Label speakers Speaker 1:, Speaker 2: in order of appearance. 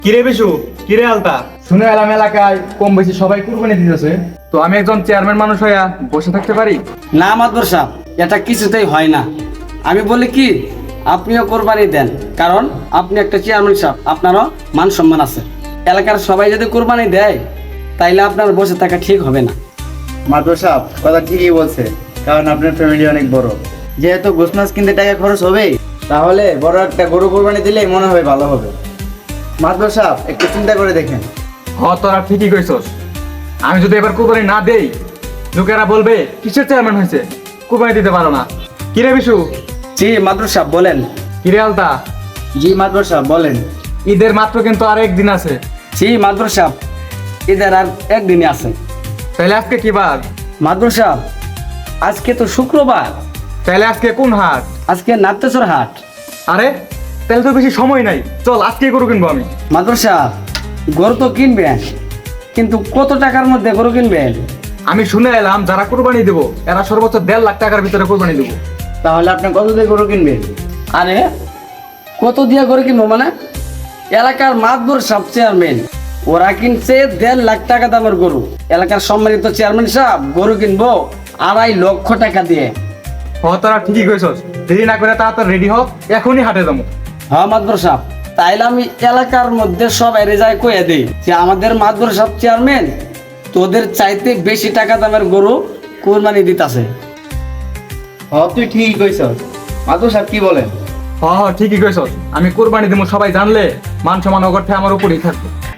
Speaker 1: কিরে বিশু, কিরে আলতা, শুনে এলাম এলাকায় কম বেশি সবাই কুরবানি দিতেছে। তো আমি একজন চেয়ারম্যান মানুষ হইয়া বসে থাকতে পারি?
Speaker 2: না মাদবর সাহেব, এটা কিছুতেই হয় না। আমি বলি কি, আপনিও কোরবানি দেন, কারণ আপনি একটা চেয়ারম্যান সাহেব, আপনারও মান সম্মান আছে। এলাকার সবাই যদি কোরবানি দেয় তাইলে আপনার বসে থাকা ঠিক হবে না।
Speaker 3: মাদুর সাহেব কথা ঠিকই বলছে, কারণ আপনার ফ্যামিলি অনেক বড়। যেহেতু গোস মাছ কিনতে টাকা খরচ হবে, তাহলে বড় একটা গরু কোরবানি দিলেই মনে হয় ভালো হবে। মাদুর সাহেব একটু চিন্তা করে দেখেন।
Speaker 1: তোরা ঠিকই কইছস। আমি যদি এবার কুরবানি না দেই, লোকেরা বলবে কিসের চেয়ারম্যান হয়েছে, কুরবানি দিতে পারো না। কিরে বিশু?
Speaker 2: জি মাদবর সাহেব বলেন।
Speaker 1: কিরে আলতা?
Speaker 3: জি মাদুর সাহেব বলেন।
Speaker 1: ঈদের মাত্র কিন্তু আর একদিন আছে।
Speaker 2: জি মাদবর সাহেব, ঈদের আর একদিনই আছে।
Speaker 1: তাহলে আজকে কি বার?
Speaker 2: মাদবর সাহেব, আজকে তো শুক্রবার,
Speaker 1: তাহলে আজকে কোন হাট?
Speaker 2: আজকে নাট্যচর হাট।
Speaker 1: আরে তাহলে তো বেশি সময় নাই, চল আজকে গরু কিনবো আমি।
Speaker 2: মাদবর সাহেব, গরু তো কিনবেন, কিন্তু কত টাকার মধ্যে গরু কিনবেন?
Speaker 1: আমি শুনে এলাম যারা কুরবানি দেবো এরা সর্বোচ্চ 1.5 লাখ টাকার ভিতরে কুরবানি দেবো।
Speaker 3: তাহলে আপনি কত দিয়ে গরু কিনবেন?
Speaker 2: আরে কত দিয়া গরু কিনবো মানে? এলাকার মাতবর সব চেয়ারম্যান, ওরা কিনছে 1.5 লাখ টাকা দামের গরু। এলাকার সম্মানিত চেয়ারম্যান সাহেব গরু কিনবো 2.5 লক্ষ টাকা দিয়ে।
Speaker 1: তোরা ঠিকই কইছস, দেরি না করে তাড়াতাড়ি রেডি হ, এখনই হাটে যাবো।
Speaker 2: হ্যাঁ মাতবর সাহেব, তাইলে আমি এলাকার মধ্যে সব এরে যায় কয়ে দেই যে আমাদের মাতবর সাহেব চেয়ারম্যান তোদের চাইতে বেশি টাকা দামের গরু কোরবানি দিতাছে।
Speaker 3: তুই ঠিকই কইছস। মাদুর সাহেব কি বলেন?
Speaker 1: ঠিকই কইছস। আমি কুরবানি দেবো, সবাই জানলে মান সম্মান অগরটা আমার উপরেই থাকবে।